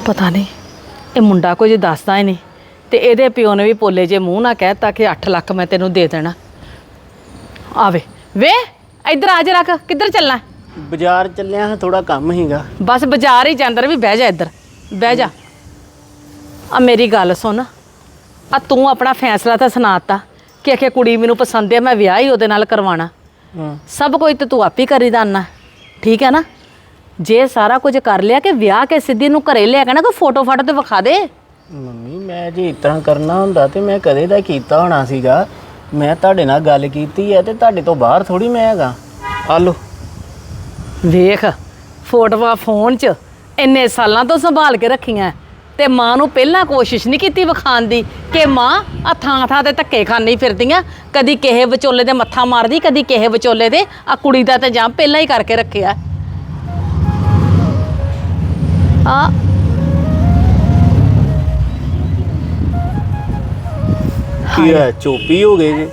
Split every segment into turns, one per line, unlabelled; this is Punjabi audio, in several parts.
ਪਤਾ ਨਹੀਂ ਇਹ ਮੁੰਡਾ ਕੁਝ ਦੱਸਦਾ ਹੀ ਨਹੀਂ ਤੇ ਇਹਦੇ ਪਿਓ ਨੇ ਵੀ ਪੋਲੇ ਜੇ ਮੂੰਹ ਨਾਲ ਕਹਿਤਾ ਕਿ 8 ਲੱਖ ਮੈਂ ਤੈਨੂੰ ਦੇ ਦੇਣਾ। ਆਵੇ ਵੇ ਇੱਧਰ ਆ ਜਾ, ਰੱਖ ਕਿੱਧਰ ਚੱਲਣਾ?
ਬਾਜ਼ਾਰ ਚੱਲਿਆ ਹਾਂ, ਥੋੜਾ ਕੰਮ ਹੀਗਾ।
ਬਸ ਬਾਜ਼ਾਰ ਹੀ ਜਾਂਦਰ ਵੀ ਬਹਿ ਜਾ, ਇੱਧਰ ਬਹਿ ਜਾ। ਆ ਮੇਰੀ ਗੱਲ ਸੁਣ, ਆ ਤੂੰ ਆਪਣਾ ਫੈਸਲਾ ਤਾਂ ਸੁਣਾਤਾ ਕਿ ਆਖੇ ਕੁੜੀ ਮੈਨੂੰ ਪਸੰਦ ਹੈ, ਮੈਂ ਵਿਆਹ ਹੀ ਉਹਦੇ ਨਾਲ ਕਰਵਾਉਣਾ। ਸਭ ਕੁਝ ਤੇ ਤੂੰ ਆਪ ਹੀ ਕਰੀ ਦਾਨਾ, ਠੀਕ ਹੈ ਨਾ? ਜੇ ਸਾਰਾ ਕੁਝ ਕਰ ਲਿਆ ਕਿ ਵਿਆਹ ਕੇ ਸਿੱਧੀ ਨੂੰ ਘਰੇ ਲਿਆ ਕੇ ਨਾ ਕੋਈ ਫੋਟੋ ਫਾਟੋ ਤੇ ਵਿਖਾ ਦੇ।
ਮੰਮੀ ਮੈਂ ਜੇ ਇਸ ਤਰ੍ਹਾਂ ਕਰਨਾ ਹੁੰਦਾ ਤੇ ਮੈਂ ਕਦੇ ਦਾ ਕੀਤਾ ਹੋਣਾ ਸੀਗਾ। ਮੈਂ ਤੁਹਾਡੇ ਨਾਲ ਗੱਲ ਕੀਤੀ ਹੈ ਤੇ ਤੁਹਾਡੇ ਤੋਂ ਬਾਹਰ ਥੋੜੀ ਮੈਂ ਹੈਗਾ। ਆ ਲੋ
ਵੇਖ ਫੋਟੋਆਂ ਫੋਨ 'ਚ ਇੰਨੇ ਸਾਲਾਂ ਤੋਂ ਸੰਭਾਲ ਕੇ ਰੱਖੀਆਂ ਤੇ ਮਾਂ ਨੂੰ ਪਹਿਲਾਂ ਕੋਸ਼ਿਸ਼ ਨਹੀਂ ਕੀਤੀ ਵਿਖਾਉਣ ਦੀ ਕਿ ਮਾਂ ਆ ਥਾਂ ਤੇ ਧੱਕੇ ਖਾਂਦੀ ਫਿਰਦੀਆਂ, ਕਦੀ ਕਿਸੇ ਵਿਚੋਲੇ ਦੇ ਮੱਥਾ ਮਾਰਦੀ, ਕਦੀ ਕਿਸੇ ਵਿਚੋਲੇ ਦੇ। ਆ ਕੁੜੀ ਦਾ ਤਾਂ ਜਾਂ ਪਹਿਲਾਂ ਹੀ ਕਰਕੇ ਰੱਖਿਆ ਆ।
ਕੀ ਹੈ, ਚੋਪੀ ਹੋ ਗਏ ਜੀ?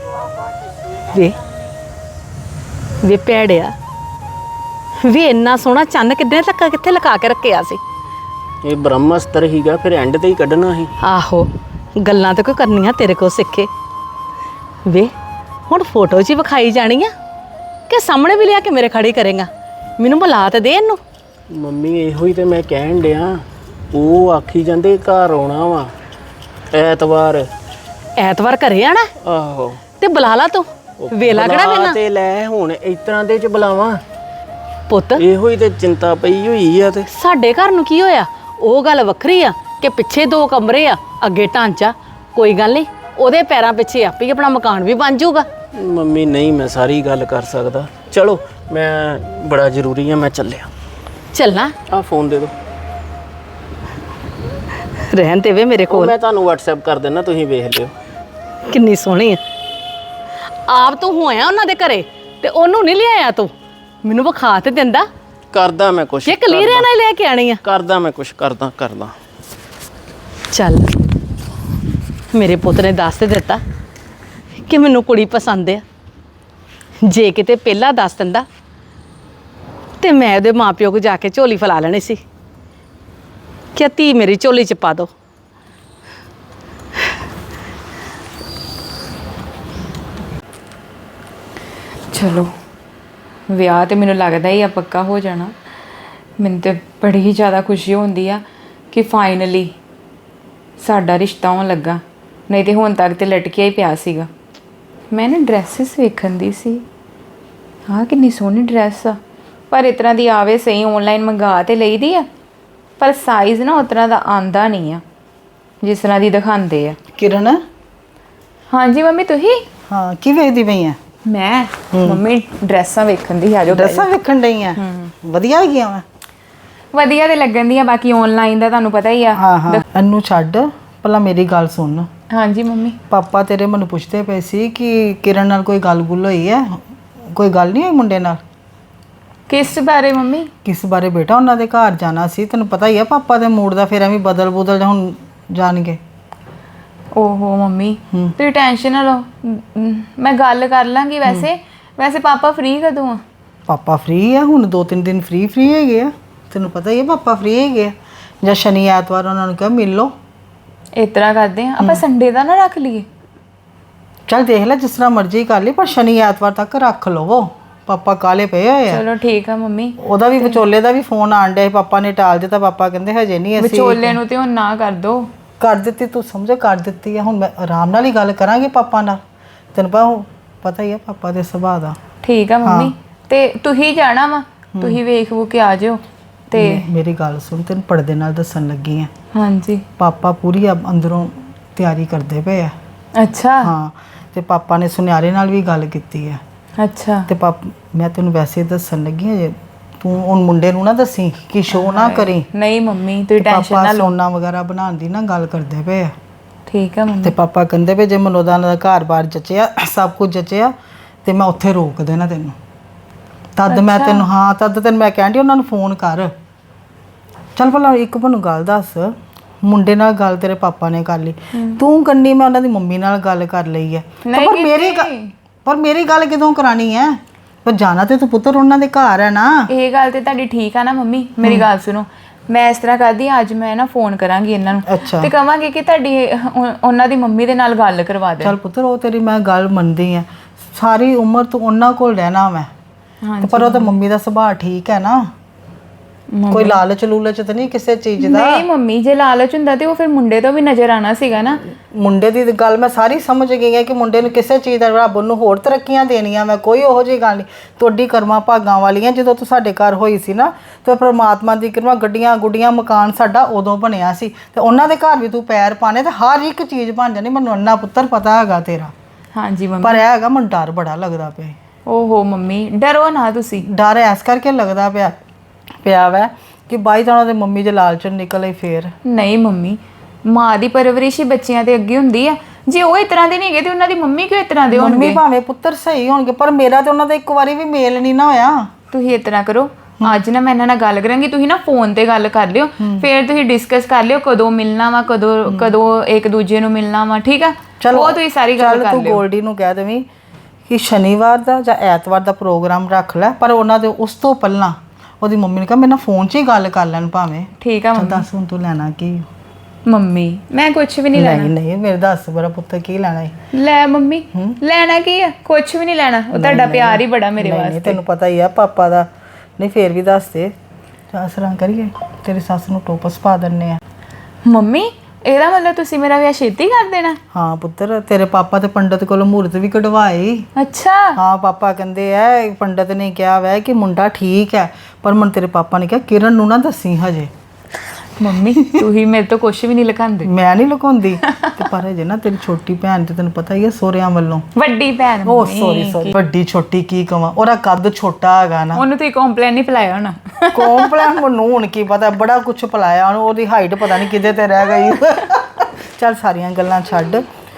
ਵੇ ਭੈੜਿਆ, ਵੀ ਇੰਨਾ ਸੋਹਣਾ ਚੰਨ ਕਿੱਥੇ ਲਗਾ ਕੇ ਰੱਖਿਆ ਸੀ?
ਇਹ ਬ੍ਰਹਮਸਤਰ ਹੀਗਾ, ਫਿਰ ਐਂਡ ਤੇ ਹੀ ਕੱਢਣਾ ਸੀ।
ਆਹੋ ਗੱਲਾਂ ਤੇ ਕੋਈ ਕਰਨੀਆਂ ਤੇਰੇ ਕੋਲ ਸਿੱਖੇ। ਵੇ ਹੁਣ ਫੋਟੋ 'ਚ ਹੀ ਵਿਖਾਈ ਜਾਣੀ ਆ ਕਿ ਸਾਹਮਣੇ ਵੀ ਲਿਆ ਕੇ ਮੇਰੇ ਖੜੀ ਕਰੇਗਾ? ਮੈਨੂੰ ਬੁਲਾ ਤੇ ਦੇ ਇਹਨੂੰ।
ਮੰਮੀ ਇਹੋ ਹੀ ਤੇ ਮੈਂ ਕਹਿਣ ਡਿਆ, ਉਹ ਆਖੀ ਜਾਂਦੇ ਘਰ ਆਉਣਾ ਵਾ ਐਤਵਾਰ
ਘਰੇ ਆਣਾ?
ਆਹੋ
ਤੇ ਬੁਲਾ ਲਾ ਤੂੰ, ਵੇਲਾ ਕਿਹੜਾ ਵੇਲਾ
ਤੇ ਲੈ। ਹੁਣ ਇਸ ਤਰ੍ਹਾਂ ਦੇ ਚ ਬੁਲਾਵਾਂ?
ਪੁੱਤ
ਇਹੋ ਹੀ ਤੇ ਚਿੰਤਾ ਪਈ ਹੋਈ ਆ। ਤੇ
ਸਾਡੇ ਘਰ ਨੂੰ ਕੀ ਹੋਇਆ? ਉਹ ਗੱਲ ਵੱਖਰੀ ਆ ਕਿ ਪਿੱਛੇ 2 ਕਮਰੇ ਆ, ਅੱਗੇ ਢਾਂਚਾ। ਕੋਈ ਗੱਲ ਨਹੀਂ, ਉਹਦੇ ਪੈਰਾਂ ਪਿੱਛੇ ਆਪੇ ਹੀ ਆਪਣਾ ਮਕਾਨ ਵੀ ਬਣ ਜਾਊਗਾ।
ਮੰਮੀ ਨਹੀਂ ਮੈਂ ਸਾਰੀ ਗੱਲ ਕਰ ਸਕਦਾ। ਚਲੋ ਮੈਂ ਬੜਾ ਜ਼ਰੂਰੀ ਆ, ਮੈਂ ਚੱਲਿਆ।
ਚੱਲਣਾ?
ਆ ਫੋਨ ਦੇ ਦਿਓ।
ਰਹਿਣ ਤੇ ਵੇ ਮੇਰੇ ਕੋਲ,
ਮੈਂ ਤੁਹਾਨੂੰ WhatsApp ਕਰ ਦਿੰਦਾ, ਤੁਸੀਂ ਵੇਖ ਲਿਓ।
ਕਿੰਨੀ ਸੋਹਣੀ ਆ। ਆਪ ਤੂੰ ਹੋਇਆ ਉਹਨਾਂ ਦੇ ਘਰੇ ਤੇ ਉਹਨੂੰ ਨਹੀਂ ਲਿਆਇਆ ਤੂੰ? ਮੈਨੂੰ ਵਿਖਾ ਤੇ ਦਿੰਦਾ।
ਕਰਦਾ ਮੈਂ ਕੁਛ,
ਜੇ ਕਲੀਰਿਆਂ ਨਾਲ ਲੈ ਕੇ ਆਣੀ ਆ।
ਕਰਦਾ ਮੈਂ ਕੁਛ, ਕਰਦਾ।
ਚੱਲ ਮੇਰੇ ਪੁੱਤ ਨੇ ਦੱਸ ਤੇ ਦਿੱਤਾ ਕਿ ਮੈਨੂੰ ਕੁੜੀ ਪਸੰਦ ਆ। ਜੇ ਕਿਤੇ ਪਹਿਲਾਂ ਦੱਸ ਦਿੰਦਾ ਤੇ ਮੈਂ ਉਹਦੇ ਮਾਪਿਓ ਕੋਲ ਜਾ ਕੇ ਝੋਲੀ ਫੈਲਾ ਲੈਣੀ ਸੀ ਕਿ ਧੀ ਮੇਰੀ ਝੋਲੀ 'ਚ ਪਾ ਦੋ।
ਚਲੋ ਵਿਆਹ ਤੇ ਮੈਨੂੰ ਲੱਗਦਾ ਹੀ ਆ ਪੱਕਾ ਹੋ ਜਾਣਾ। ਮੈਨੂੰ ਤੇ ਬੜੀ ਹੀ ਜ਼ਿਆਦਾ ਖੁਸ਼ੀ ਹੁੰਦੀ ਆ ਕਿ ਫਾਈਨਲੀ ਸਾਡਾ ਰਿਸ਼ਤਾ ਹੋਣ ਲੱਗਾ, ਨਹੀਂ ਤੇ ਹੁਣ ਤੱਕ ਤੇ ਲਟਕਿਆ ਹੀ ਪਿਆ ਸੀਗਾ। ਮੈਂ ਨਾ ਡਰੈਸਿਸ ਵੇਖਣ ਦੀ ਸੀ, ਆਹ ਕਿੰਨੀ ਸੋਹਣੀ ਡਰੈਸ ਆ, ਪਰ ਇਸ ਤਰ੍ਹਾਂ ਦੀ ਆਵੇ ਸਹੀ ਆਨਲਾਈਨ ਮੰਗਾ ਤੇ ਲਈਦੀ ਆ, ਪਰ ਸਾਈਜ਼ ਨਾ ਉਸ ਤਰ੍ਹਾਂ ਦਾ ਆਂਦਾ ਨਹੀਂ ਆ ਜਿਸ ਤਰ੍ਹਾਂ ਦੀ ਦਿਖਾਉਂਦੇ ਆ।
ਕਿਰਨ?
ਹਾਂਜੀ ਮੰਮੀ ਤੁਸੀਂ?
ਹਾਂ ਕੀ ਵੇਖਦੀ ਪਈ ਆ?
ਮੈਂ ਮੰਮੀ ਡਰੈਸਾਂ ਵੇਖਣ ਦੀ। ਆਜੋ
ਡਰੈਸਾਂ ਵੇਖਣ ਡਈ ਆ? ਵਧੀਆ ਹੈਗੀਆਂ ਵਾ?
ਵਧੀਆ ਤੇ ਲੱਗਣ ਦੀਆਂ, ਬਾਕੀ ਆਨਲਾਈਨ ਦਾ ਤੁਹਾਨੂੰ ਪਤਾ ਹੀ ਆ।
ਹਾਂ ਇਹਨੂੰ ਛੱਡ, ਪਹਿਲਾਂ ਮੇਰੀ ਗੱਲ ਸੁਣ।
ਹਾਂਜੀ ਮੰਮੀ।
ਪਾਪਾ ਤੇਰੇ ਮੈਨੂੰ ਪੁੱਛਦੇ ਪਏ ਸੀ ਕਿ ਕਿਰਨ ਨਾਲ ਕੋਈ ਗੱਲ-ਗੁੱਲ ਹੋਈ ਹੈ? ਕੋਈ ਗੱਲ ਨਹੀਂ ਹੋਈ ਮੁੰਡੇ ਨਾਲ?
ਕਿਸ ਬਾਰੇ ਮੰਮੀ?
ਕਿਸ ਬਾਰੇ ਬੇਟਾ? ਉਹਨਾਂ ਦੇ ਘਰ ਜਾਣਾ ਸੀ, ਤੈਨੂੰ ਪਤਾ ਹੀ ਆ ਪਾਪਾ ਦੇ ਮੂਡ ਦਾ, ਫਿਰ ਐਵੇਂ ਬਦਲ ਹੁਣ ਜਾਣਗੇ।
ਓਹੋ ਮੰਮੀ ਤੁਸੀਂ ਟੈਨਸ਼ਨ ਨਾ ਲਓ, ਮੈਂ ਗੱਲ ਕਰ ਲਾਂਗੀ। ਵੈਸੇ ਪਾਪਾ ਫ੍ਰੀ ਕਦੋਂ ਆ?
ਪਾਪਾ ਫ੍ਰੀ ਆ ਹੁਣ, 2-3 ਦਿਨ ਫ੍ਰੀ ਹੈਗੇ ਆ। ਤੈਨੂੰ ਪਤਾ ਹੀ ਆ ਪਾਪਾ ਫ੍ਰੀ ਹੈਗੇ ਆ। ਜਾਂ ਸ਼ਨੀ ਐਤਵਾਰ ਉਹਨਾਂ ਨੂੰ ਕਿਹਾ ਮਿਲ ਲਓ।
ਇਸ ਤਰ੍ਹਾਂ ਕਰਦੇ ਆ ਆਪਾਂ ਸੰਡੇ ਦਾ ਨਾ ਰੱਖ ਲਈਏ?
ਚੱਲ ਦੇਖ ਲੈ ਜਿਸ ਤਰ੍ਹਾਂ ਮਰਜ਼ੀ ਕਰ ਲਈ, ਪਰ ਸ਼ਨੀ ਐਤਵਾਰ ਤੱਕ ਰੱਖ ਲਵੋ। ਪਾਪਾ ਕਾਲੇ ਪਏ ਹੋਏ ਆ।
ਚਲੋ ਠੀਕ ਆ ਮੰਮੀ।
ਉਹਦਾ ਵੀ ਵਿਚੋਲੇ ਦਾ ਵੀ ਫੋਨ ਆਣ ਡਿਆ, ਪਾਪਾ ਨੇ ਟਾਲ ਦਿੱਤਾ। ਪਾਪਾ ਕਹਿੰਦੇ ਹਜੇ ਨਹੀਂ ਅਸੀਂ।
ਵਿਚੋਲੇ ਨੂੰ ਤੇ ਹੁਣ ਨਾ ਕਰ ਦੋ।
ਕਰ ਦਿੱਤੀ, ਤੂੰ ਸਮਝ ਕਰ ਦਿੱਤੀ ਆ। ਹੁਣ ਮੈਂ ਆਰਾਮ ਨਾਲ ਹੀ ਗੱਲ ਕਰਾਂਗੇ ਪਾਪਾ ਨਾਲ। ਤੈਨੂੰ ਪਤਾ ਹੀ ਆ ਪਾਪਾ ਦੇ ਸੁਭਾਅ ਦਾ।
ਠੀਕ ਆ ਮੰਮੀ। ਤੇ ਤੁਸੀਂ ਜਾਣਾ ਵਾ, ਤੁਸੀਂ ਵੇਖ ਵੂ ਕੇ ਆ ਜਿਓ। ਤੇ
ਮੇਰੀ ਗੱਲ ਸੁਣ, ਤੈਨੂੰ ਪਰਦੇ ਨਾਲ ਦੱਸਣ ਲੱਗੀ ਆ।
ਹਾਂਜੀ
ਪਾਪਾ ਪੂਰੀ ਅੰਦਰੋਂ ਤਿਆਰੀ ਕਰਦੇ ਪਏ ਆ।
ਅੱਛਾ।
ਹਾਂ ਤੇ ਪਾਪਾ ਨੇ ਸੁਨਿਆਰੇ ਨਾਲ ਵੀ ਗੱਲ ਕੀਤੀ ਆ।
ਅੱਛਾ।
ਤੇ ਮੈਂ ਤੈਨੂੰ ਵੈਸੇ ਦੱਸਣ ਲੱਗੀ ਆ, ਜੇ ਤੂੰ ਹੁਣ ਮੁੰਡੇ ਨੂੰ ਨਾ ਦੱਸੀ ਕਿ ਸ਼ੋਅ ਨਾ ਕਰੀ।
ਨਹੀਂ ਮੰਮੀ ਤੁਸੀਂ ਟੈਨਸ਼ਨ ਨਾ
ਪਾਪਾ
ਲਓ।
ਸੋਨਾ ਵਗੈਰਾ ਬਣਾਉਣ ਦੀ ਨਾ ਗੱਲ ਕਰਦੇ ਪਏ ਆ।
ਠੀਕ ਆ ਮੰਮੀ।
ਤੇ ਪਾਪਾ ਕਹਿੰਦੇ ਪਏ ਜੇ ਮਨੋਦਾ ਦਾ ਘਰ-ਬਾਰ ਜਚਿਆ, ਸਭ ਕੁਝ ਜਚਿਆ ਤੇ ਮੈਂ ਉੱਥੇ ਰੋਕ ਦੇਣਾ ਤੈਨੂੰ। ਤਦ ਮੈਂ ਤੈਨੂੰ ਮੈਂ ਕਹਿੰਦੀ ਉਹਨਾਂ ਨੂੰ ਫੋਨ ਕਰ। ਚੱਲ ਭਲਾ ਇੱਕ ਮੈਨੂੰ ਗੱਲ ਦੱਸ, ਮੁੰਡੇ ਨਾਲ ਗੱਲ ਤੇਰੇ ਪਾਪਾ ਨੇ ਕਰ ਲਈ, ਤੂੰ ਕੰਨੀ ਮੈਂ ਉਹਨਾਂ ਦੀ ਮੰਮੀ ਨਾਲ ਗੱਲ ਕਰ ਲਈ ਹੈ, ਪਰ ਮੇਰੀ ਗੱਲ ਕਿਦੋਂ ਕਰਾਣੀ ਹੈ? ਪਰ ਜਾਣਾ ਤੇ ਤੂੰ ਪੁੱਤਰ ਉਹਨਾਂ ਦੇ ਘਰ ਹੈ ਨਾ।
ਇਹ ਗੱਲ ਤੇ ਤੁਹਾਡੀ ਠੀਕ ਆ ਨਾ ਮੰਮੀ, ਮੇਰੀ ਗੱਲ ਸੁਣੋ। ਮੈਂ ਇਸ ਤਰ੍ਹਾਂ ਕਰਦੀ ਹਾਂ, ਅੱਜ ਮੈਂ ਨਾ ਫੋਨ ਕਰਾਂਗੀ ਇਹਨਾਂ ਨੂੰ
ਅੱਛਾ
ਤੇ ਕਵਾਂਗੀ ਕਿ ਤੁਹਾਡੀ ਉਹਨਾਂ ਦੀ ਮੰਮੀ ਦੇ ਨਾਲ ਗੱਲ ਕਰਵਾ ਦੇ।
ਚੱਲ ਪੁੱਤਰ ਉਹ ਤੇਰੀ ਮੈਂ ਗੱਲ ਮੰਨਦੀ ਆ, ਸਾਰੀ ਉਮਰ ਤੂੰ ਉਹਨਾਂ ਕੋਲ ਰਹਿਣਾ ਮੈਂ ਤੇ ਪਰ ਉਹ ਤਾਂ ਮੰਮੀ ਦਾ ਸੁਭਾਅ ਠੀਕ ਹੈ ਨਾ, ਕੋਈ ਲਾਲਚ ਲੂਲਚ ਤਾਂ ਨਹੀਂ ਕਿਸੇ ਚੀਜ਼ ਦਾ।
ਨਹੀਂ ਮੰਮੀ, ਜੇ ਲਾਲਚ ਹੁੰਦਾ ਤੇ ਉਹ ਫਿਰ ਮੁੰਡੇ ਤੋਂ ਵੀ ਨਜ਼ਰ ਆਣਾ ਸੀਗਾ ਨਾ।
ਮੁੰਡੇ ਦੀ ਗੱਲ ਮੈਂ ਸਾਰੀ ਸਮਝ ਗਈ ਹੈ ਕਿ ਮੁੰਡੇ ਨੂੰ ਕਿਸੇ ਚੀਜ਼ ਦਾ ਰੱਬ ਨੂੰ ਹੋਰ ਤਰੱਕੀਆਂ ਦੇਣੀਆਂ, ਮੈਂ ਕੋਈ ਉਹੋ ਜਿਹੀ ਗੱਲ ਨਹੀਂ। ਤੁਹਾਡੀ ਕਰਮਾਂ ਭਾਗਾਂ ਵਾਲੀਆਂ, ਜਦੋਂ ਤੂੰ ਸਾਡੇ ਘਰ ਹੋਈ ਸੀ ਨਾ ਤੇ ਪ੍ਰਮਾਤਮਾ ਦੀ ਕਿਰਪਾ, ਗੱਡੀਆਂ ਗੁੱਡੀਆਂ ਮਕਾਨ ਸਾਡਾ ਉਦੋਂ ਬਣਿਆ ਸੀ ਤੇ ਉਹਨਾਂ ਦੇ ਘਰ ਵੀ ਤੂੰ ਪੈਰ ਪਾਣੇ ਤੇ ਹਰ ਇੱਕ ਚੀਜ਼ ਬਣ ਜਾਣੀ। ਮੈਨੂੰ ਅੰਨਾ ਪੁੱਤਰ ਪਤਾ ਹੈਗਾ ਤੇਰਾ,
ਹਾਂਜੀ ਮੰਮੀ।
ਪਰ ਇਹ ਹੈਗਾ ਮੈਨੂੰ ਡਰ ਬੜਾ ਲੱਗਦਾ ਪਿਆ।
ਓਹੋ ਮੰਮੀ, ਡਰੋ ਨਾ ਤੁਸੀਂ।
ਡਰ ਐਸ ਕਰਕੇ ਲੱਗਦਾ ਪਿਆ ਵੈ ਕਿ ਬਾਈ ਜਾਣਾ ਤੇ ਮੰਮੀ ਜੇ ਲਾਲਚੋਂ ਨਿਕਲੇ ਫੇਰ।
ਨਹੀਂ ਮੰਮੀ, ਮਾਂ ਦੀ ਪਰਵਰਿਸ਼ ਹੀ ਬੱਚਿਆਂ ਤੇ ਅੱਗੇ ਹੁੰਦੀ ਆ। ਜੇ ਉਹ ਇਸ ਤਰ੍ਹਾਂ ਦੇ ਨਹੀਂ ਹੈਗੇ ਤੇ ਉਹਨਾਂ ਦੀ ਮੰਮੀ ਕਿਉਂ ਇਸ ਤਰ੍ਹਾਂ ਦੇ ਹੋਣਗੇ?
ਮੰਮੀ ਭਾਵੇਂ ਪੁੱਤਰ ਸਹੀ ਹੋਣਗੇ ਪਰ ਮੇਰਾ ਤੇ ਉਹਨਾਂ ਦਾ ਇੱਕ ਵਾਰੀ ਵੀ ਮੇਲ ਨਹੀਂ ਨਾ ਹੋਇਆ।
ਤੁਸੀਂ ਇਸ ਤਰ੍ਹਾਂ ਕਰੋ, ਅੱਜ ਨਾ ਮੈਂ ਇਹਨਾਂ ਨਾਲ ਗੱਲ ਕਰਾਂਗੀ, ਤੁਸੀਂ ਨਾ ਫੋਨ ਤੇ ਗੱਲ ਕਰ ਲਿਓ, ਫਿਰ ਤੁਸੀਂ ਡਿਸਕਸ ਕਰ ਲਿਓ ਕਦੋਂ ਮਿਲਣਾ ਵਾ, ਕਦੋਂ ਇੱਕ ਦੂਜੇ ਨੂੰ ਮਿਲਣਾ ਵਾ, ਠੀਕ ਆ? ਉਹ ਤੁਸੀਂ ਸਾਰੀ ਗੱਲ ਕਰ
ਤੂੰ
ਲਿਓ।
ਗੋਲਡੀ ਨੂੰ ਕਹਿ ਦੇਵੀਂ ਕਿ ਸ਼ਨੀਵਾਰ ਦਾ ਜਾਂ ਐਤਵਾਰ ਦਾ ਪ੍ਰੋਗਰਾਮ ਰੱਖ ਲੈ, ਪਰ ਉਹਨਾਂ ਦੇ ਉਸ ਤੋਂ ਪਹਿਲਾਂ ਉਹਦੀ ਮੰਮੀ ਨੇ ਕਿਹਾ ਮੇਰੇ ਨਾਲ ਫੋਨ 'ਚ ਹੀ ਗੱਲ ਕਰ ਲੈਣ ਭਾਵੇਂ।
ਠੀਕ ਆ ਮੰਮੀ।
ਦੱਸ ਹੁਣ ਤੂੰ ਲੈਣਾ ਕੀ?
ਮੰਮੀ ਮੈਂ ਕੁਝ ਵੀ ਨਹੀਂ ਲੈਣਾ।
ਨਹੀਂ ਮੇਰੇ ਦੱਸ ਬੜਾ ਪੁੱਤ ਕੀ ਲੈਣਾ ਹੈ?
ਲੈ ਮੰਮੀ, ਲੈਣਾ ਕੀ ਆ? ਕੁਝ ਵੀ ਨਹੀਂ ਲੈਣਾ, ਉਹ ਤੁਹਾਡਾ ਪਿਆਰ ਹੀ ਬੜਾ ਮੇਰੇ ਵਾਸਤੇ।
ਤੈਨੂੰ ਪਤਾ ਹੀ ਆ ਪਾਪਾ ਦਾ। ਨਹੀਂ ਫੇਰ ਵੀ ਦੱਸ ਦੇ, ਆਸਰਾਂ ਕਰੀਏ ਤੇਰੀ ਸੱਸ ਨੂੰ ਟੋਪਸ ਪਾ ਦਿੰਨੇ ਆ।
ਮੰਮੀ ਇਹਦਾ ਮਤਲਬ ਤੁਸੀਂ ਮੇਰਾ ਵਿਆਹ ਛੇਤੀ ਕਰ ਦੇਣਾ?
ਹਾਂ ਪੁੱਤਰ, ਤੇਰੇ ਪਾਪਾ ਤੇ ਪੰਡਤ ਕੋਲੋਂ ਮਹੂਰਤ ਵੀ ਕਢਵਾਏ।
ਅੱਛਾ।
ਹਾਂ ਪਾਪਾ ਕਹਿੰਦੇ ਐ, ਪੰਡਤ ਨੇ ਕਿਹਾ ਵੈ ਕਿ ਮੁੰਡਾ ਠੀਕ ਹੈ, ਪਰ ਮਨ ਤੇਰੇ ਪਾਪਾ ਨੇ ਕਿਹਾ ਕਿਰਨ ਨੂੰ ਨਾ ਦੱਸੀ ਹਜੇ।
ਮੰਮੀ ਤੁਸੀਂ ਮੇਰੇ ਤੋਂ ਕੁਝ ਵੀ ਨਹੀਂ ਲੁਕਾਉਂਦੇ।
ਮੈਂ ਨਹੀਂ ਲੁਕਾਉਂਦੀ ਤੇ ਪਰ ਹਜੇ ਨਾ ਤੇਰੀ ਛੋਟੀ ਭੈਣ ਤੇ ਤੈਨੂੰ ਪਤਾ ਹੀ ਹੈ ਸੋਹਰਿਆਂ ਵੱਲੋਂ।
ਵੱਡੀ ਭੈਣ।
ਉਹ ਸੌਰੀ ਵੱਡੀ ਛੋਟੀ ਕੀ ਕਵਾਂ, ਉਹਦਾ ਕੱਦ ਛੋਟਾ ਹੈਗਾ ਨਾ।
ਉਹਨੂੰ ਤੁਸੀਂ ਕੰਪਲੇਨ ਨਹੀਂ ਪਿਲਾਇਆ ਹੋਣਾ।
ਕੰਪਲੇਨ ਮੈਨੂੰ ਹੁਣ ਕੀ ਪਤਾ, ਬੜਾ ਕੁਝ ਪਿਲਾਇਆ ਉਹਨੂੰ, ਉਹਦੀ ਹਾਈਟ ਪਤਾ ਨਹੀਂ ਕਿਤੇ ਤੇ ਰਹਿ ਗਈ। ਚੱਲ ਸਾਰੀਆਂ ਗੱਲਾਂ ਛੱਡ,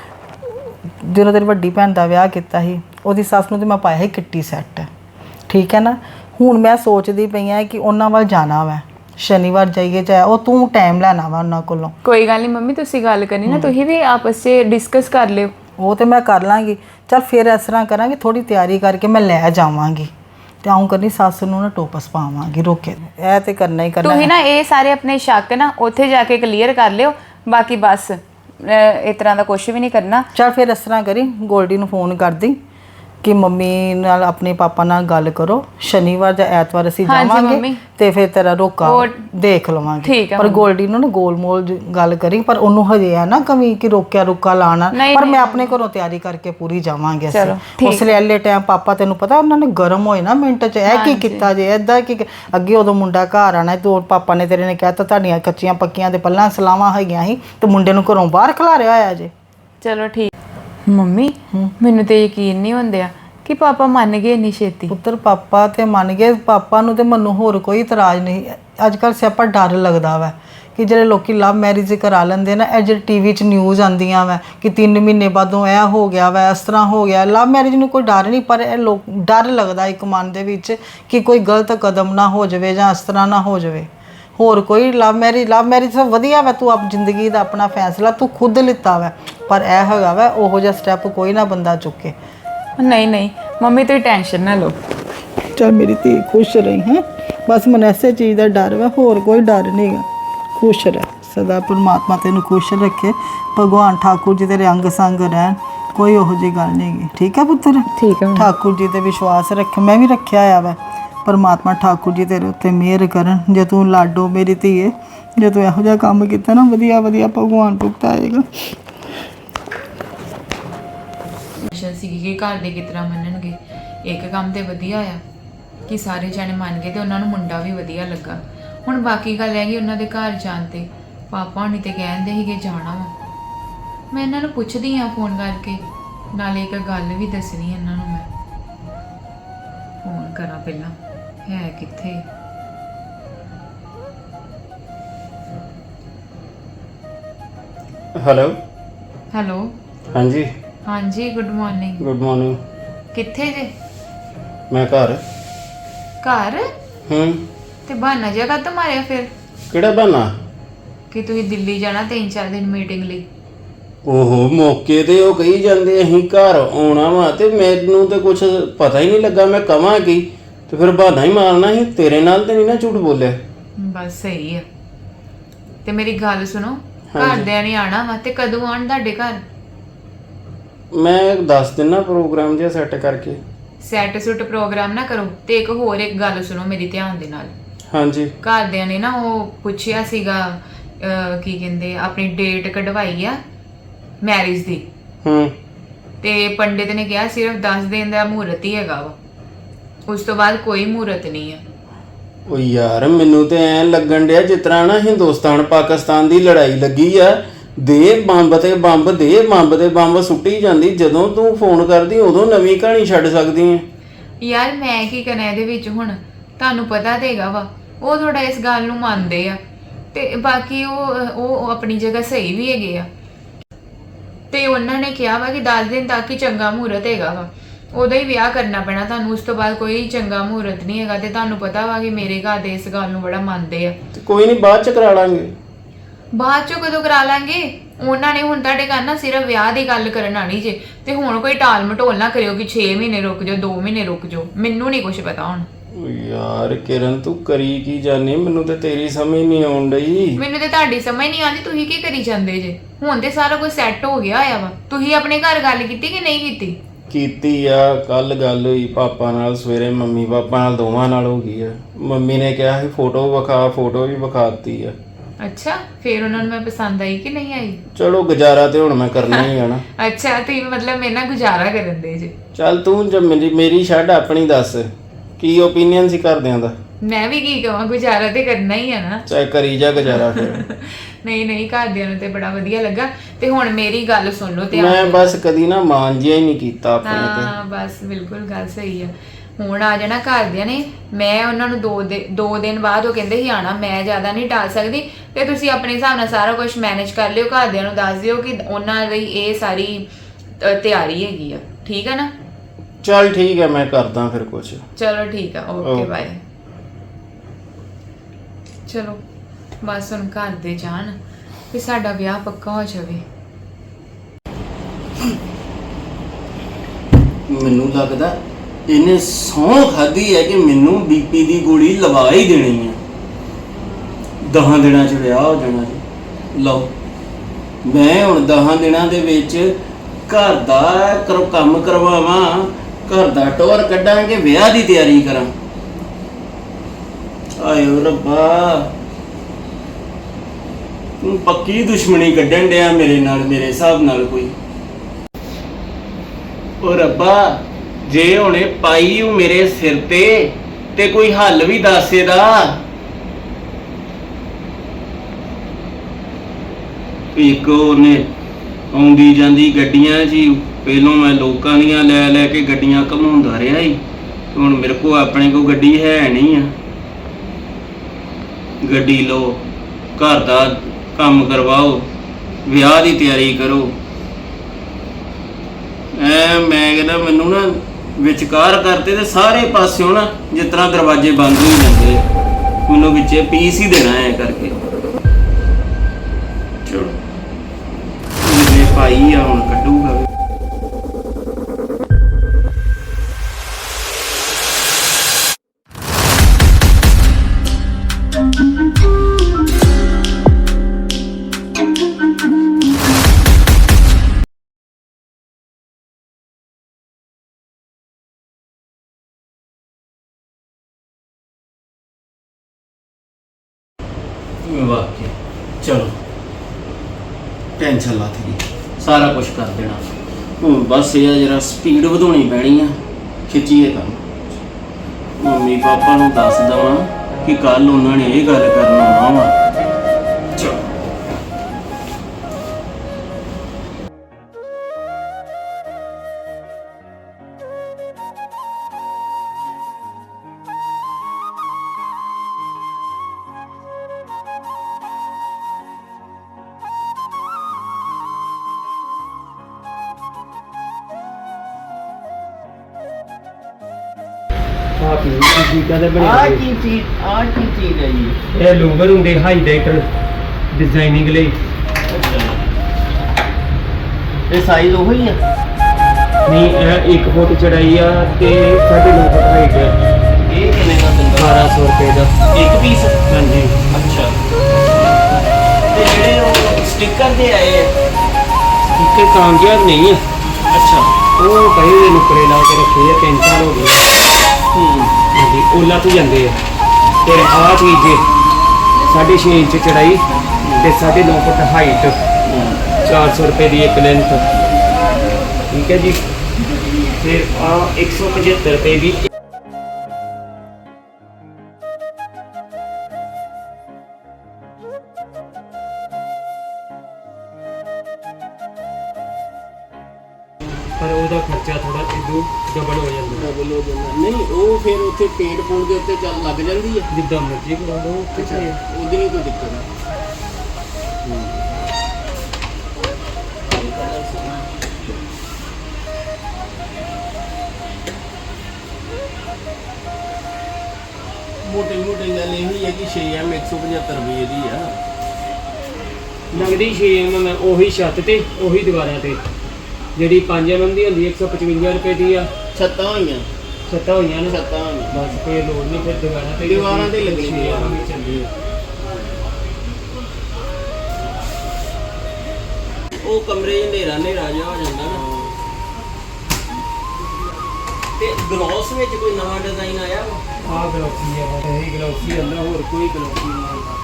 ਜਦੋਂ ਤੇਰੀ ਵੱਡੀ ਭੈਣ ਦਾ ਵਿਆਹ ਕੀਤਾ ਸੀ ਉਹਦੀ ਸੱਸ ਨੂੰ ਤੇ ਮੈਂ ਪਾਇਆ ਸੀ ਕਿੱਟੀ ਸੈੱਟ, ਠੀਕ ਹੈ ਨਾ। ਹੁਣ ਮੈਂ ਸੋਚਦੀ ਪਈ ਆ ਕਿ ਉਹਨਾਂ ਵੱਲ ਜਾਣਾ ਵਾ, ਸ਼ਨੀਵਾਰ ਜਾਈਏ ਚਾਹੇ ਉਹ ਤੂੰ ਟਾਈਮ ਲੈਣਾ ਵਾ ਉਹਨਾਂ ਕੋਲੋਂ।
ਕੋਈ ਗੱਲ ਨਹੀਂ ਮੰਮੀ, ਤੁਸੀਂ ਗੱਲ ਕਰਨੀ ਨਾ, ਤੁਸੀਂ ਵੀ ਆਪਸ 'ਚ ਡਿਸਕਸ ਕਰ ਲਿਓ।
ਉਹ ਤੇ ਮੈਂ ਕਰ ਲਾਂਗੀ। ਚੱਲ ਫਿਰ ਇਸ ਤਰ੍ਹਾਂ ਕਰਾਂਗੇ, ਥੋੜੀ ਤਿਆਰੀ ਕਰਕੇ ਮੈਂ ਲੈ ਜਾਵਾਂਗੀ ਤੇ ਆਉਂ ਕਰਨੀ ਸੱਸ ਨੂੰ ਨਾ ਟੋਪਸ ਪਾਵਾਂਗੀ ਰੋਕੇ। ਇਹ ਤੇ ਕਰਨਾ ਹੀ ਕਰਨਾ।
ਤੁਸੀਂ ਨਾ ਇਹ ਸਾਰੇ ਆਪਣੇ ਸ਼ੱਕ ਨਾ ਉੱਥੇ ਜਾ ਕੇ ਕਲੀਅਰ ਕਰ ਲਿਓ, ਬਾਕੀ ਬਸ ਇਸ ਤਰ੍ਹਾਂ ਦਾ ਕੁਝ ਵੀ ਨਹੀਂ ਕਰਨਾ।
ਚੱਲ ਫਿਰ ਇਸ ਤਰ੍ਹਾਂ ਕਰੀ, ਗੋਲਡੀ ਨੂੰ ਫੋਨ ਕਰਦੀ ਕਿ ਮੰਮੀ ਨਾਲ ਆਪਣੇ ਪਾਪਾ ਨਾਲ ਗੱਲ ਕਰੋ, ਸ਼ਨੀਵਾਰ ਜਾਂ ਐਤਵਾਰ ਅਸੀਂ ਜਾਵਾਂਗੇ ਤੇ ਫਿਰ ਤੇਰਾ ਰੋਕਾ ਦੇਖ ਲਵਾਂਗੇ। ਪਰ ਗੋਲਡੀ ਨੂੰ ਨਾ ਗੋਲਮੋਲ ਗੱਲ ਕਰੀ, ਪਰ ਉਹਨੂੰ ਹਜੇ ਹੈ ਨਾ ਕਮੀ ਕਿ ਰੋਕਿਆ ਰੁਕਾ ਲਾਣਾ, ਪਰ ਮੈਂ ਆਪਣੇ ਘਰੋਂ ਤਿਆਰੀ ਕਰਕੇ ਪੂਰੀ ਜਾਵਾਂਗੇ ਅਸੀਂ। ਉਸ ਲਈ ਐਲੇ ਟਾਈਮ ਪਾਪਾ ਤੈਨੂੰ ਪਤਾ ਉਹਨਾਂ ਨੇ ਗਰਮ ਹੋਏ ਨਾ ਮਿੰਟ 'ਚ, ਇਹ ਕੀ ਕੀਤਾ ਜੇ ਏਦਾਂ ਕੀ ਅੱਗੇ ਉਦੋਂ ਮੁੰਡਾ ਘਰ ਆਣਾ ਤੇ ਪਾਪਾ ਨੇ ਤੇਰੇ ਨੇ ਕਿਹਾ ਤਾਂ ਤੁਹਾਡੀਆਂ ਕੱਚੀਆਂ ਪੱਕੀਆਂ ਦੇ ਪੱਲਾਂ ਸਲਾਵਾਂ ਹੈਗੀਆਂ ਸੀ ਤੇ ਮੁੰਡੇ ਨੂੰ ਘਰੋਂ ਬਾਹਰ ਖਿਲਾਰਿਆ ਹੋਇਆ ਜੇ।
ਚਲੋ ਠੀਕ। ਮੰਮੀ ਮੈਨੂੰ ਤੇ ਯਕੀਨ ਨਹੀਂ ਹੁੰਦਿਆ ਕਿ ਪਾਪਾ ਮੰਨ ਗਏ ਇੰਨੀ ਛੇਤੀ।
ਪੁੱਤਰ ਪਾਪਾ ਤੇ ਮੰਨ ਗਏ, ਪਾਪਾ ਨੂੰ ਤੇ ਮੈਨੂੰ ਹੋਰ ਕੋਈ ਇਤਰਾਜ਼ ਨਹੀਂ। ਅੱਜ ਕੱਲ੍ਹ ਸਿਆਪਾ ਡਰ ਲੱਗਦਾ ਵਾ ਕਿ ਜਿਹੜੇ ਲੋਕੀ ਲਵ ਮੈਰਿਜ ਕਰਾ ਲੈਂਦੇ ਨਾ, ਇਹ ਜਿਹੜੇ ਟੀਵੀ 'ਚ ਨਿਊਜ਼ ਆਉਂਦੀਆਂ ਵਾ ਕਿ 3 ਮਹੀਨੇ ਬਾਅਦੋਂ ਇਹ ਹੋ ਗਿਆ ਵਾ, ਇਸ ਤਰ੍ਹਾਂ ਹੋ ਗਿਆ। ਲਵ ਮੈਰਿਜ ਨੂੰ ਕੋਈ ਡਰ ਨਹੀਂ, ਪਰ ਇਹ ਲੋਕ ਡਰ ਲੱਗਦਾ ਇੱਕ ਮਨ ਦੇ ਵਿੱਚ ਕਿ ਕੋਈ ਗਲਤ ਕਦਮ ਨਾ ਹੋ ਜਾਵੇ ਜਾਂ ਇਸ ਤਰ੍ਹਾਂ ਨਾ ਹੋ ਜਾਵੇ। ਹੋਰ ਕੋਈ ਲਵ ਮੈਰਿਜ ਸਭ ਵਧੀਆ ਵਾ, ਤੂੰ ਆਪ ਜ਼ਿੰਦਗੀ ਦਾ ਆਪਣਾ ਫੈਸਲਾ ਤੂੰ ਖੁਦ ਲਿੱਤਾ ਵਾ, ਪਰ ਇਹ ਹੈਗਾ ਵਾ ਉਹੋ ਜਿਹਾ ਸਟੈਪ ਕੋਈ ਨਾ ਬੰਦਾ ਚੁੱਕੇ।
ਨਹੀਂ ਮੰਮੀ ਤੁਸੀਂ ਟੈਨਸ਼ਨ ਨਾ ਲਓ।
ਚੱਲ ਮੇਰੀ ਧੀ ਖੁਸ਼ ਰਹੀ ਹੈ, ਬਸ ਮੈਨੂੰ ਐਸੇ ਚੀਜ਼ ਦਾ ਡਰ ਵਾ, ਹੋਰ ਕੋਈ ਡਰ ਨਹੀਂਗਾ। ਖੁਸ਼ ਰਹਿ ਸਦਾ, ਪਰਮਾਤਮਾ ਤੈਨੂੰ ਖੁਸ਼ ਰੱਖੇ, ਭਗਵਾਨ ਠਾਕੁਰ ਜੀ ਤੇਰੇ ਅੰਗ ਸੰਗ ਰਹਿਣ, ਕੋਈ ਉਹੋ ਜਿਹੀ ਗੱਲ ਨਹੀਂ ਹੈਗੀ। ਠੀਕ ਹੈ ਪੁੱਤਰ?
ਠੀਕ ਹੈ।
ਠਾਕੁਰ ਜੀ ਤੇ ਵਿਸ਼ਵਾਸ ਰੱਖ, ਮੈਂ ਵੀ ਰੱਖਿਆ ਹੋਇਆ ਵਾ। ਪਰਮਾਤਮਾ ਠਾਕੁਰ ਜੀ ਤੇਰੇ ਉੱਤੇ ਮਿਹਰ ਕਰਨ। ਜੇ ਤੂੰ ਲਾਡੋ ਮੇਰੀ ਧੀਏ, ਜੇ ਤੂੰ ਇਹੋ ਜਿਹਾ ਕੰਮ ਕੀਤਾ ਨਾ, ਵਧੀਆ ਭਗਵਾਨ ਭੁਗਤਾਏਗਾ।
ਸੀਗੀ ਕਿ ਘਰ ਦੇ ਕਿਸ ਤਰ੍ਹਾਂ ਮੰਨਣਗੇ। ਇੱਕ ਕੰਮ ਤੇ ਵਧੀਆ ਆ ਕਿ ਸਾਰੇ ਜਾਣੇ ਮੰਨ ਗਏ ਤੇ ਉਹਨਾਂ ਨੂੰ ਮੁੰਡਾ ਵੀ ਵਧੀਆ ਲੱਗਾ। ਹੁਣ ਬਾਕੀ ਗੱਲ ਹੈਗੀ ਉਹਨਾਂ ਦੇ ਘਰ ਜਾਣ ਤੇ। ਪਾਪਾ ਹੁਣੀ ਤੇ ਕਹਿੰਦੇ ਸੀਗੇ ਜਾਣਾ ਵਾ। ਮੈਂ ਇਹਨਾਂ ਨੂੰ ਪੁੱਛਦੀ ਆ ਫੋਨ ਕਰਕੇ, ਨਾਲੇ ਇੱਕ ਗੱਲ ਵੀ ਦੱਸਣੀ ਇਹਨਾਂ ਨੂੰ। ਮੈਂ ਫੋਨ ਕਰਾਂ ਪਹਿਲਾਂ, ਹੈ ਕਿੱਥੇ? ਹੈਲੋ। ਹਾਂਜੀ ਗੁੱਡ ਮਾਰਨਿੰਗ। ਕਿੱਥੇ ਜੇ?
ਮੈਂ ਘਰ।
ਤੇ ਬਹਾਨਾ ਜਿਹਾ ਕਾਹਤੋਂ ਮਾਰਿਆ ਫਿਰ?
ਕਿਹੜਾ ਬਹਾਨਾ?
ਕਿ ਤੁਸੀਂ ਦਿੱਲੀ ਜਾਣਾ 3-4 ਦਿਨ ਮੀਟਿੰਗ ਲਈ।
ਓਹੋ, ਮੌਕੇ ਤੇ ਉਹ ਕਹੀ ਜਾਂਦੇ ਅਸੀਂ ਘਰ ਆਉਣਾ ਵਾ ਤੇ ਮੈਨੂੰ ਤੇ ਕੁਝ ਪਤਾ ਹੀ ਨਹੀਂ ਲੱਗਾ ਮੈਂ ਕਵਾਂ ਕੀ, ਤੇ ਫਿਰ ਬਹਾਨਾ ਹੀ ਮਾਰਨਾ ਸੀ। ਤੇਰੇ ਨਾਲ ਤੇ ਨਹੀਂ ਨਾ ਝੂਠ ਬੋਲਿਆ?
ਬਸ ਸਹੀ ਆ। ਤੇ ਮੇਰੀ ਗੱਲ ਸੁਣੋ, ਘਰਦਿਆਂ ਨੇ ਆਣਾ ਵਾ ਤੇ ਕਦੋਂ ਆਣ ਤੁਹਾਡੇ ਘਰ?
ਮੈਂ ਦੱਸ ਦਿਨਾ ਪ੍ਰੋਗਰਾਮ ਜਿਹਾ ਸੈੱਟ ਕਰਕੇ।
ਸੈਟ ਸੁੱਟ ਪ੍ਰੋਗਰਾਮ ਨਾ ਕਰੋ। ਤੇ ਇੱਕ ਹੋਰ ਇੱਕ ਗੱਲ ਸੁਣੋ ਮੇਰੀ ਧਿਆਨ ਦੇ ਨਾਲ।
ਹਾਂਜੀ।
ਘਰਦਿਆਂ ਨੇ ਨਾ ਉਹ ਪੁੱਛਿਆ ਸੀਗਾ ਕੀ ਕਹਿੰਦੇ ਆਪਣੀ ਡੇਟ ਕਢਵਾਈ ਆ ਮੈਰਿਜ ਦੀ, ਤੇ ਪੰਡਿਤ ਨੇ ਕਿਹਾ ਸਿਰਫ 10 ਦਿਨ ਦਾ ਮਹੂਰਤ ਹੀ ਹੈਗਾ ਵਾ, ਉਸ ਤੋਂ ਬਾਅਦ ਕੋਈ ਮਹੂਰਤ ਨਹੀਂ ਆ।
ਓ ਯਾਰ ਮੈਨੂੰ ਤੇ ਐਂ ਲੱਗਣ ਡਿਆ ਜਿਸ ਤਰ੍ਹਾਂ ਨਾ ਹਿੰਦੁਸਤਾਨ ਪਾਕਿਸਤਾਨ ਦੀ ਲੜਾਈ ਲੱਗੀ ਆ, ਦੇ ਬੰਬ ਤੇ ਬੰਬ, ਦੇ ਬੰਬ ਤੇ ਬੰਬ ਸੁੱਟੀ ਜਾਂਦੀ। ਜਦੋਂ ਤੂੰ ਫੋਨ ਕਰਦੀ ਉਦੋਂ ਨਵੀਂ ਕਹਾਣੀ ਛੱਡ ਸਕਦੀ ਹੈ।
ਯਾਰ ਮੈਂ ਕੀ ਕਰਨਾ ਇਹਦੇ ਵਿੱਚ ਹੁਣ, ਤੁਹਾਨੂੰ ਪਤਾ ਤੇ ਹੈਗਾ ਵਾ ਉਹ ਥੋੜਾ ਇਸ ਗੱਲ ਨੂੰ ਮੰਨਦੇ ਆ, ਤੇ ਬਾਕੀ ਉਹ ਆਪਣੀ ਜਗ੍ਹਾ ਸਹੀ ਵੀ ਹੈਗੇ ਆ। ਤੇ ਉਹਨਾਂ ਨੇ ਕਿਹਾ ਵਾ ਕਿ 10 ਦਿਨ ਤੱਕ ਹੀ ਚੰਗਾ ਮਹੂਰਤ ਹੈਗਾ ਵਾ, ਉਦੋਂ ਹੀ ਵਿਆਹ ਕਰਨਾ ਪੈਣਾ ਤੁਹਾਨੂੰ, ਉਸ ਤੋਂ ਬਾਅਦ ਕੋਈ ਚੰਗਾ ਮਹੂਰਤ ਨਹੀਂ ਹੈਗਾ। ਤੇ ਤੁਹਾਨੂੰ ਪਤਾ ਵਾ ਕਿ ਮੇਰੇ ਘਰ ਦੇ ਇਸ ਗੱਲ ਨੂੰ ਬੜਾ ਮੰਨਦੇ ਆ।
ਤੇ ਕੋਈ ਨਹੀਂ, ਬਾਅਦ ਚ ਕਰਾ ਲਾਂਗੇ।
ਬਾਅਦ ਚੋਂ ਕਦੋਂ ਕਰਾ ਲਾਂਗੇ? ਉਹਨਾਂ ਨੇ ਹੁਣ ਤੁਹਾਡੇ ਘਰ ਨਾ ਸਿਰਫ ਵਿਆਹ ਦੀ ਗੱਲ ਕਰਨ ਆਣੀ ਜੇ, ਤੇ ਹੁਣ ਕੋਈ ਟਾਲ ਮਟੋਲ ਨਾ ਕਰਿਓ ਕਿ 6 ਮਹੀਨੇ ਰੁਕ ਜਾਓ, 2 ਮਹੀਨੇ ਰੁਕ ਜਾਓ, ਮੈਨੂੰ ਨਹੀਂ ਕੁਝ ਪਤਾ ਹੁਣ।
ਓ ਯਾਰ ਕਿਰਨ ਤੂੰ ਕਰੀ ਕੀ ਜਾਨੀ, ਮੈਨੂੰ ਤੇ ਤੇਰੀ ਸਮਝ ਨਹੀਂ ਆਉਣ ਡਈ।
ਮੈਨੂੰ ਤੇ ਤੁਹਾਡੀ ਸਮਝ ਨਹੀਂ ਆਉਂਦੀ, ਤੁਸੀਂ ਕੀ ਕਰੀ ਜਾਂਦੇ ਜੇ? ਹੁਣ ਤੇ ਸਾਰਾ ਕੁਝ ਸੈੱਟ ਹੋ ਗਿਆ ਆ ਵਾ। ਤੁਸੀਂ ਆਪਣੇ ਘਰ ਗੱਲ ਕੀਤੀ ਕਿ ਨਹੀਂ ਕੀਤੀ?
ਕੀਤੀ ਆ, ਕੱਲ ਗੱਲ ਹੋਈ ਪਾਪਾ ਨਾਲ, ਸਵੇਰੇ ਮੰਮੀ ਪਾਪਾ ਨਾਲ, ਦੋਵਾਂ ਨਾਲ ਹੋ ਗਈ ਆ। ਮੰਮੀ ਨੇ ਕਿਹਾ ਸੀ ਫੋਟੋ ਵਿਖਾ, ਫੋਟੋ ਵੀ ਵਿਖਾਤੀ ਆ।
ਅੱਛਾ, ਫਿਰ ਉਹਨਾਂ ਨੂੰ ਮੈਂ ਪਸੰਦ ਆਈ ਕਿ ਨਹੀਂ ਆਈ?
ਚਲੋ ਗੁਜ਼ਾਰਾ ਤੇ ਹੁਣ ਮੈਂ ਕਰਨਾ ਹੀ ਆ ਨਾ।
ਅੱਛਾ, ਤੁਸੀਂ ਮਤਲਬ ਮੇਰੇ ਨਾਲ ਗੁਜ਼ਾਰਾ ਕਰਨ ਦੇ ਜੇ?
ਚੱਲ ਤੂੰ ਜਦ ਮੇਰੀ ਛੱਡ, ਆਪਣੀ ਦੱਸ ਕੀ ਓਪੀਨੀਅਨ ਸੀ ਘਰਦਿਆਂ ਦਾ?
ਮੈਂ ਵੀ ਕੀ ਕਹਾਂ, ਗੁਜ਼ਾਰਾ ਤੇ ਕਰਨਾ ਹੀ ਆ ਨਾ।
ਚਾਹੇ ਕਰੀ ਜਾ ਗੁਜ਼ਾਰਾ ਫਿਰ।
ਨਹੀਂ ਘਰਦਿਆਂ ਨੂੰ ਤੇ ਬੜਾ ਵਧੀਆ ਲੱਗਾ। ਤੇ ਹੁਣ ਮੇਰੀ ਗੱਲ ਸੁਣ ਲਓ ਤੇ
ਮੈਂ ਬਸ ਕਦੀ ਨਾ ਮਾਨ ਜਿਹਾ ਹੀ ਨਹੀਂ ਕੀਤਾ ਆਪਣੇ ਤੇ।
ਹਾਂ ਬਸ ਬਿਲਕੁਲ ਗੱਲ ਸਹੀ ਆ। ਹੁਣ ਆ ਜਾਣਾ ਘਰਦਿਆਂ ਨੇ, ਮੈਂ ਉਹਨਾਂ ਨੂੰ 2 ਦਿਨ ਬਾਅਦ ਉਹ ਕਹਿੰਦੇ ਸੀ ਆਣਾ, ਮੈਂ ਜ਼ਿਆਦਾ ਨਹੀਂ ਟਾਲ ਸਕਦੀ, ਤੇ ਤੁਸੀਂ ਆਪਣੇ ਹਿਸਾਬ ਨਾਲ ਸਾਰਾ ਕੁਝ ਮੈਨੇਜ ਕਰ ਲਿਓ। ਘਰਦਿਆਂ ਨੂੰ ਦੱਸ ਦਿਓ ਕਿ ਉਹਨਾਂ ਲਈ ਇਹ ਸਾਰੀ ਤਿਆਰੀ ਹੈਗੀ ਆ, ਠੀਕ ਹੈ ਨਾ?
ਚੱਲ ਠੀਕ ਹੈ, ਮੈਂ ਕਰਦਾ ਫਿਰ ਕੁਝ।
ਚਲੋ ਠੀਕ ਆ, ਓਕੇ ਬਾਏ। ਚਲੋ ਬਸ ਹੁਣ ਘਰ ਦੇ ਜਾਣ ਵੀ ਸਾਡਾ ਵਿਆਹ ਪੱਕਾ ਹੋ ਜਾਵੇ।
ਮੈਨੂੰ ਲੱਗਦਾ ਇਹਨੇ ਸਹੁੰ ਖਾਧੀ ਹੈ ਕਿ ਮੈਨੂੰ ਬੀਪੀ ਦੀ ਗੋਲੀ ਲਵਾ ਹੀ ਦੇਣੀ ਹੈ। 10 ਦਿਨਾਂ 'ਚ ਵਿਆਹ ਹੋ ਜਾਣਾ ਜੀ। ਲਓ ਮੈਂ ਹੁਣ 10 ਦਿਨਾਂ ਦੇ ਵਿੱਚ ਘਰ ਦਾ ਕੰਮ ਕਰਵਾਵਾਂ, ਘਰ ਦਾ ਟੋਰ ਕੱਢਾਂਗੇ, ਵਿਆਹ ਦੀ ਤਿਆਰੀ ਕਰਾਂ। ਆਇਓ ਰੱਬਾ, ਤੂੰ ਪੱਕੀ ਦੁਸ਼ਮਣੀ ਕੱਢਣ ਡਿਆ ਮੇਰੇ ਨਾਲ, ਮੇਰੇ ਹਿਸਾਬ ਨਾਲ ਕੋਈ। ਓ ਰੱਬਾ, ਜੇ ਹੁਣੇ ਪਾਈ ਉਹ ਮੇਰੇ ਸਿਰ ਤੇ ਕੋਈ ਹੱਲ ਵੀ ਦੱਸ ਇਹਦਾ। ਇੱਕ ਉਹਨੇ ਆਉਂਦੀ ਜਾਂਦੀ ਗੱਡੀਆਂ 'ਚ ਹੀ, ਪਹਿਲੋਂ ਮੈਂ ਲੋਕਾਂ ਦੀਆਂ ਲੈ ਕੇ ਗੱਡੀਆਂ ਘਮਾਉਂਦਾ ਰਿਹਾ ਹੀ, ਹੁਣ ਮੇਰੇ ਕੋਲ ਆਪਣੇ ਕੋਲ ਗੱਡੀ ਹੈ ਨਹੀਂ ਆ। ਗੱਡੀ ਲਓ, ਘਰ ਦਾ ਕੰਮ ਕਰਵਾਓ, ਵਿਆਹ ਦੀ ਤਿਆਰੀ ਕਰੋ। ਮੈਂ ਕਹਿੰਦਾ ਮੈਨੂੰ ਨਾ ਵਿਚਕਾਰ ਕਰਤੇ ਤੇ ਸਾਰੇ ਪਾਸਿਓਂ ਨਾ ਜਿਸ ਤਰ੍ਹਾਂ ਦਰਵਾਜ਼ੇ ਬੰਦ ਹੋ ਜਾਂਦੇ, ਮੈਨੂੰ ਵਿੱਚੇ ਪੀਸ ਹੀ ਦੇਣਾ ਐ ਕਰਕੇ। ਚਲੋ ਮੇਰੇ ਭਾਈ ਆ, ਹੁਣ ਕੱਢੂਗਾ। ਵਾਕਿਆ ਚਲੋ ਟੈਨਸ਼ਨ ਲੱਥ ਗਈ, ਸਾਰਾ ਕੁਝ ਕਰ ਦੇਣਾ। ਹੁਣ ਬਸ ਇਹ ਜਰਾ ਸਪੀਡ ਵਧਾਉਣੀ ਪੈਣੀ ਆ, ਖਿੱਚੀਏ ਕੰਮ। ਮੰਮੀ ਪਾਪਾ ਨੂੰ ਦੱਸ ਦਵਾਂ ਕਿ ਕੱਲ ਉਹਨਾਂ ਨੇ ਇਹ ਗੱਲ ਕਰਨ ਆਉਣਾ ਵਾ। ਚਲੋ ਆ ਕੀ ਚੀਜ਼ ਹੈ ਜੀ?
ਇਹ ਲੂਵਰ ਹੁੰਦੇ ਹਾਈਲਾਈਟਰ ਡਿਜ਼ਾਈਨਿੰਗ ਲਈ।
ਇਹ ਸਾਈਜ਼ ਉਹੀ ਆ?
ਨਹੀਂ, ਇਹ 1 ਫੁੱਟ ਚੜਾਈ ਆ ਤੇ 9.5 ਫੁੱਟ ਹਾਈਟ ਆ।
ਇਹ ਕਿੰਨੇ ਦਾ ਦਿੰਦਾ?
1200 ਰੁਪਏ ਦਾ
ਇੱਕ ਪੀਸ?
ਹਾਂਜੀ।
ਅੱਛਾ ਤੇ ਜਿਹੜੇ ਉਹ ਸਟicker ਦੇ ਆਏ ਆ
ਇੱਥੇ ਕਾਮਯਾਬ ਨਹੀਂ ਆ
ਅੱਛਾ
ਉਹ ਪਏ ਦੇ ਨੁਕਰੇ ਲਾ ਕੇ ਰੱਖੇ ਆ 3 ਸਾਲ ਹੋ ਗਏ ਹਾਂਜੀ ਓਲਾ ਤੋਂ ਜਾਂਦੇ ਆ ਤੇ ਆਹ ਚੀਜ਼ ਜੇ 6.5 ਇੰਚ ਚੜਾਈ ਤੇ 9.5 ਫੁੱਟ ਹਾਈਟ 400 ਰੁਪਏ ਦੀ ਇੱਕ ਲੈਂਥ ਠੀਕ ਹੈ ਜੀ ਫਿਰ ਆ 175 ਰੁਪਏ ਦੀ ਪਰ ਉਹਦਾ ਖਰਚਾ ਥੋੜਾ ਇਦੋਂ ਡਬਲ ਹੋ ਜਾਂਦਾ
ਡਬਲ ਹੋ ਜਾਂਦਾ ਨਹੀਂ ਉਹ ਫਿਰ ਉੱਥੇ ਪੇਂਟ ਪੂੰਟ ਦੇ ਉੱਤੇ ਚੱਲ ਲੱਗ ਜਾਂਦੀ ਹੈ
ਜਿੱਦਾਂ ਮਰਜ਼ੀ ਕਰਾ ਲਓ
ਅੱਛਾ ਉਹਦੀ ਨਹੀਂ ਕੋਈ ਦਿੱਕਤ ਹੈ ਮੋਟੀ ਮੋਟੀ ਗੱਲ ਇਹ ਹੈ ਕਿ 6M 175 ਰੁਪਏ ਦੀ ਆ
ਲੱਗਦੀ 6 mm ਹੈ ਉਹੀ ਛੱਤ ਤੇ ਉਹੀ ਦੀਵਾਰਾਂ ਤੇ ਜਿਹੜੀ 5 mm ਦੀ ਹੁੰਦੀ 155 ਰੁਪਏ ਦੀ ਆ
ਛੱਤਾਂ ਹੋਈਆਂ
ਛੱਤਾਂ ਹੋਈਆਂ ਨੇ
ਛੱਤਾਂ ਹੋਈਆਂ
ਬਸ ਫੇਰ ਲੋੜ ਨਹੀਂ ਫਿਰ
ਦੀਵਾਰਾਂ ਤੇ ਲੱਗਣੀ
6 mm ਹੀ ਚੱਲਦੀ ਆ
ਉਹ ਕਮਰੇ 'ਚ ਹਨੇਰਾ ਹਨੇਰਾ ਜਿਹਾ ਹੋ ਜਾਂਦਾ ਨਾ ਤੇ ਗਲੋਸ ਵਿੱਚ ਕੋਈ ਨਵਾਂ ਡਿਜ਼ਾਈਨ ਆਇਆ ਵਾ
ਆਹ ਗਲੋਸੀ ਆ ਇਹ ਗਲੋਸੀ ਅੰਦਰ ਹੋਰ ਕੋਈ ਗਲੋਸੀ ਨਹੀਂ ਆਉਂਦਾ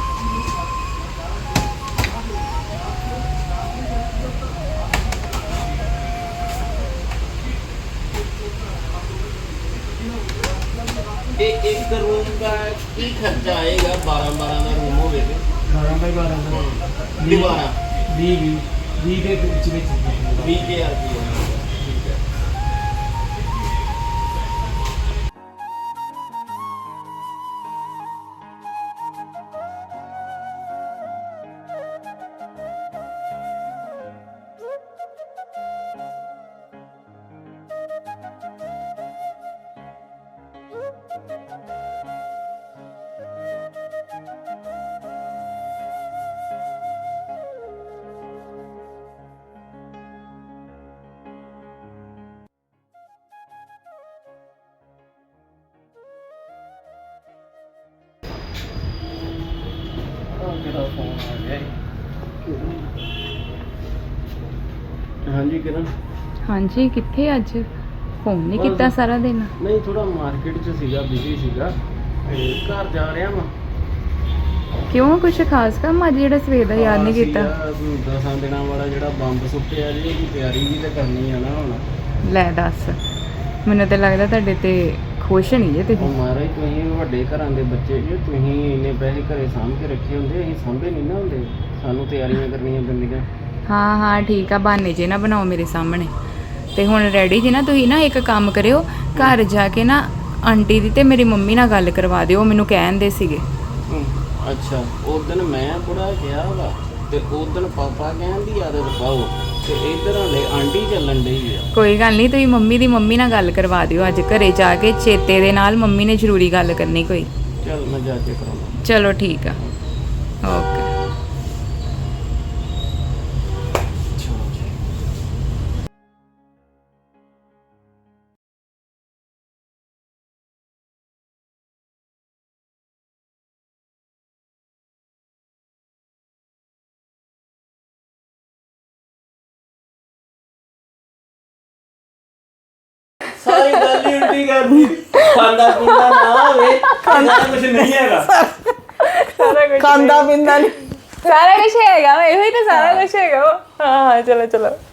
ਤੇ ਇੱਕ ਰੂਮ ਦਾ ਕੀ ਖਰਚਾ ਆਏਗਾ 12 ਦਾ ਰੂਮ ਹੋਵੇ ਤੇ
12 ਬਾਈ 12 ਦਾ
ਦੀਵਾਰਾਂ
20 ਦੇ ਵਿੱਚ
20000 ਰੁਪਏ ਕਿਹੜਾ ਫੋਨ ਆ ਗਿਆ ਹਾਂਜੀ ਕਿਰਨ
ਹਾਂਜੀ ਕਿੱਥੇ ਅੱਜ ਫੋਨ ਨਹੀਂ ਕੀਤਾ ਸਾਰਾ ਦਿਨ
ਨਹੀਂ ਥੋੜਾ ਮਾਰਕੀਟ 'ਚ ਸੀਗਾ ਬਿਜ਼ੀ ਸੀਗਾ ਤੇ ਘਰ ਜਾ ਰਿਹਾ ਵਾਂ
ਕਿਉਂ ਕੁਛ ਖਾਸ ਕੰਮ ਅੱਜ ਜਿਹੜਾ ਸਵੇਰ ਦਾ ਯਾਦ ਨਹੀਂ ਕੀਤਾ
10 ਦਿਨਾਂ ਵਾਲਾ ਜਿਹੜਾ ਬੰਬ ਸੁੱਟਿਆ ਜੀ ਇਹਦੀ ਤਿਆਰੀ ਵੀ ਤਾਂ ਕਰਨੀ ਆ ਨਾ ਹੁਣ
ਲੈ ਦੱਸ ਮੈਨੂੰ ਤਾਂ ਲੱਗਦਾ ਤੁਹਾਡੇ ਤੇ ਖੁਸ਼ ਨਹੀਂ ਜੇ
ਉਹ
ਤੁਸੀਂ
ਮਹਾਰਾਜ ਤੁਸੀਂ ਵੱਡੇ ਘਰਾਂ ਦੇ ਬੱਚੇ ਜੇ ਤੁਸੀਂ ਇੰਨੇ ਪੈਸੇ ਘਰੇ ਸਾਂਭ ਕੇ ਰੱਖੇ ਹੁੰਦੇ ਅਸੀਂ ਸਾਂਭੇ ਨਹੀਂ ਨਾ ਹੁੰਦੇ ਸਾਨੂੰ ਤਿਆਰੀਆਂ ਕਰਨੀਆਂ ਪੈਂਦੀਆਂ
ਹਾਂ ਹਾਂ ਠੀਕ ਆ ਬਹਾਨੇ ਜੇ ਨਾ ਬਣਾਓ ਮੇਰੇ ਸਾਹਮਣੇ ਤੇ ਹੁਣ ਰੈਡੀ ਜੇ ਨਾ ਤੁਸੀਂ ਨਾ ਇੱਕ ਕੰਮ ਕਰਿਓ ਘਰ ਜਾ ਕੇ ਨਾ ਆਂਟੀ ਦੀ ਤੇ ਮੇਰੀ ਮੰਮੀ ਨਾਲ ਗੱਲ ਕਰਵਾ ਦਿਓ ਮੈਨੂੰ ਕਹਿੰਦੇ ਸੀਗੇ
ਅੱਛਾ ਉਸ ਦਿਨ ਮੈਂ ਬੁੜਾ ਗਿਆ ਵਾ ਤੇ ਉਸ ਦਿਨ ਪਾਪਾ ਕਹਿੰਦੀ ਆਦਤ ਪਾਓ ਤੇ ਇਧਰ ਹਲੇ ਆਂਟੀ ਚੱਲਣ ਡਈ ਆ
ਕੋਈ ਗੱਲ ਨਹੀਂ ਤੁਸੀਂ ਮੰਮੀ ਦੀ ਮੰਮੀ ਨਾਲ ਗੱਲ ਕਰਵਾ ਦਿਓ ਅੱਜ ਘਰੇ ਜਾ ਕੇ ਚੇਤੇ ਦੇ ਨਾਲ ਮੰਮੀ ਨੇ ਜ਼ਰੂਰੀ ਗੱਲ ਕਰਨੀ ਕੋਈ
ਚਲ ਮੈਂ ਜਾ ਕੇ ਕਰਾਂਗਾ
ਚਲੋ ਠੀਕ ਆ ਓਕੇ
ਸਾਰੀ ਗੱਲ ਹੀ ਉਲਟੀ ਕਰਦੀ ਖਾਂਦਾ ਪੀਂਦਾ ਨਾ ਹੋਵੇ ਖਾਂਦਾ ਕੁਝ ਨਹੀਂ ਹੈਗਾ
ਖਾਂਦਾ ਪੀਂਦਾ ਨਹੀਂ
ਸਾਰਾ ਕੁਝ ਹੈਗਾ ਇਹੋ ਹੀ ਤਾਂ ਸਾਰਾ ਕੁਝ ਹੈਗਾ ਹਾਂ ਹਾਂ ਚਲੋ ਚਲੋ